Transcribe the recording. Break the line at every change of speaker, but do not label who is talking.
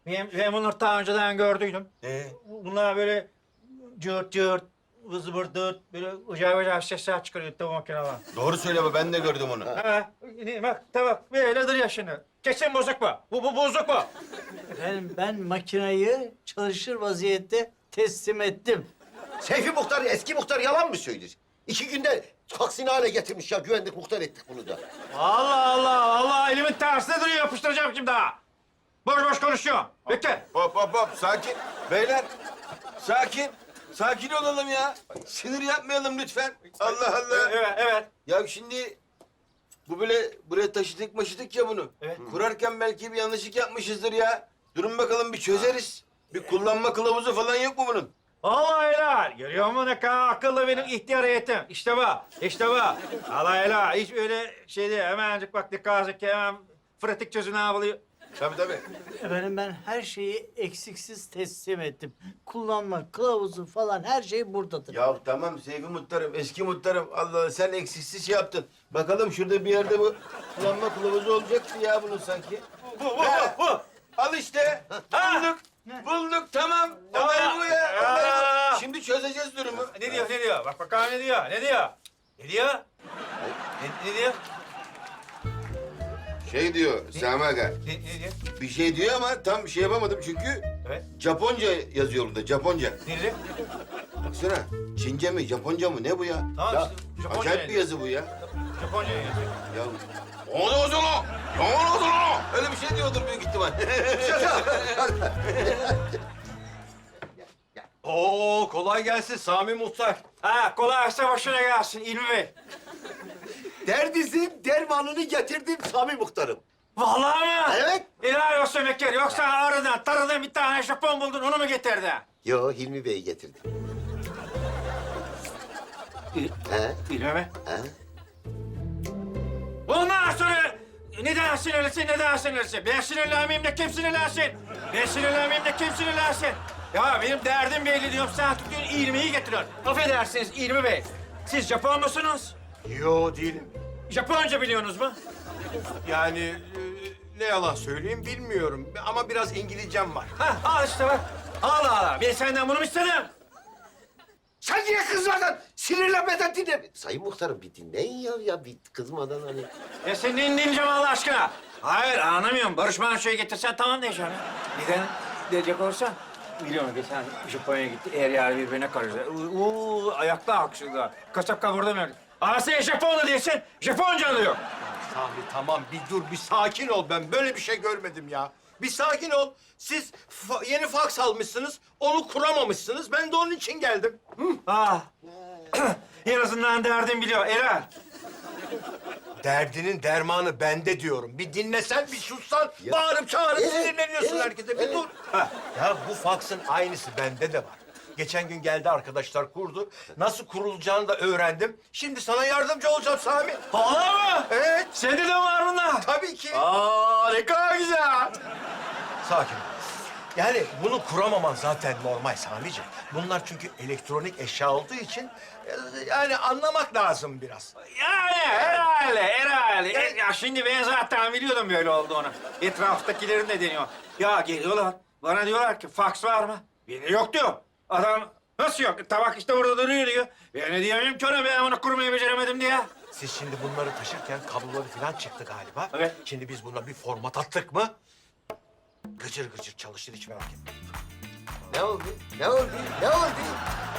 Ben bunları daha önceden gördüydüm. Bunlar böyle cırt cırt, vız vırdırt, böyle acayip acayip sesler çıkarıyor bu makineler.
Doğru söyle baba, ben de gördüm onu.
Ha, bak tamam, böyledir ya şimdi. Kesin bozuk bu. Bu bozuk bu.
Efendim ben makinayı çalışır vaziyette teslim ettim.
Seyfi Muhtar, eski muhtar yalan mı söyler? 2 günde taksini hale getirmiş ya. Güvenlik muhtar ettik bunu da.
Allah Allah, Allah elimin tersine duruyor, yapıştıracağım şimdi ha. Boş boş konuşuyor. Bekle.
Hop, sakin. Beyler, sakin. Sakin olalım ya. Sinir yapmayalım lütfen. Allah Allah.
Evet.
Ya şimdi bu böyle buraya taşıdık ya bunu.
Evet.
Kurarken belki bir yanlışlık yapmışızdır ya. Durun bakalım, bir çözeriz. Bir kullanma kılavuzu falan yok mu bunun?
Allah helal. Görüyor musun ne kadar akıllı benim ihtiyar heyetim. İşte bu, işte bu. Allah helal. Hiç öyle şey değil. Hemencik bak dikkat et ki hemen pratik çözüm ne yapılıyor.
Tabii.
Efendim ben her şeyi eksiksiz teslim ettim. Kullanma kılavuzu falan her şey buradadır.
Ya tamam Seyfi Muhtarım, eski muhtarım. Allah Allah, sen eksiksiz şey yaptın. Bakalım şurada bir yerde bu kullanma kılavuzu olacaktı ya bunun sanki.
Bu.
Al işte. Bulduk tamam. Olay bu ya.
Aa.
Şimdi çözeceğiz durumu.
Ne diyor? Bak bakalım ne diyor? Ne diyor?
Şey diyor Sami Aga.
Ne diyor?
Bir şey diyor ama tam şey yapamadım çünkü
Evet.
Japonca yazıyor burada, Japonca.
Ne diyor?
Baksana, Çince mi, Japonca mı, ne bu ya?
Tamam
Ya,
işte, Japonca
acayip bir
yazıyor.
yazı bu ya.
Japonca yazıyor.
Ya, öyle bir şey diyordur büyük ihtimal.
Oo, kolay gelsin Sami Muhtar.
Ha kolaysa başına gelsin İlmi Bey.
Derdinizin dermanını getirdim Sami Muhtarım.
Vallahi mi?
Evet.
İlahi olsun Bekir. Yoksa aradan taradan bir tane Japon buldun onu mu getirdin?
Yo, Hilmi Bey'i getirdim. He?
İlmi mi?
He?
Ondan sonra neden sinirlisin? Ben sinirlenmeyeyim de kim sinirlensin? Ya benim derdim belli diyorum. Sen tutuyorsun İlmi'yi getiriyorsun. Affedersiniz İlmi Bey. Siz Japon musunuz?
Yo değilim.
Japonca biliyorsunuz mu?
Yani ne yalan söyleyeyim bilmiyorum ama biraz İngilizcem var.
Ha, al işte bak. Al. Ben senden bunu mu istedim?
Sen niye kızmadın? Sinirlenmeden dinle. Sayın Muhtarım bir dinleyin ya bir kızmadan hani.
Ya sen ne dinleyeceğim Allah aşkına? Hayır anlamıyorum. Barış Manço'yu getirsen tamam diyeceğim. Neden diyecek olursan? Biliyorum geçen Japonya'ya gitti. Eğer yer birbirine karıştı. Ayakta alkışladılar. Kasap kavurdu mu? Ama sen Japonlu değilsin. Japonca diyor.
Sami tamam bir dur bir sakin ol, ben böyle bir şey görmedim ya. Bir sakin ol. Siz yeni faks almışsınız, onu kuramamışsınız. Ben de onun için geldim.
En azından derdim biliyor. Erol.
Derdinin dermanı bende diyorum. Bir dinlesen, bir sussan, bağırıp çağırıp
Evet,
sinirleniyorsun
evet,
herkese. Bir
evet.
dur. Ya bu faksın aynısı bende de var. Geçen gün geldi arkadaşlar kurdu. Nasıl kurulacağını da öğrendim. Şimdi sana yardımcı olacağım Sami.
Vallahi mı?
Evet.
Sende de var bunlar.
Tabii ki.
Ne kadar güzel.
Sakin ol. Yani bunu kuramaman zaten normal Sami'ciğim. Bunlar çünkü elektronik eşya olduğu için yani anlamak lazım biraz.
Yani herhalde. Ya şimdi ben zaten biliyordum böyle olduğunu. Etraftakilerin de deniyor. Ya geliyorlar, bana diyorlar ki faks var mı? Beni yok diyor. Adam nasıl yok? Tabak işte burada duruyor diyor. Ben ne diyemem ki ona, ben onu kurmayı beceremedim diye.
Siz şimdi bunları taşırken kabloları falan çıktı galiba.
Evet.
Şimdi biz buna bir format attık mı? Gıcır gıcır çalışır, hiç merak etme.
Ne oldu?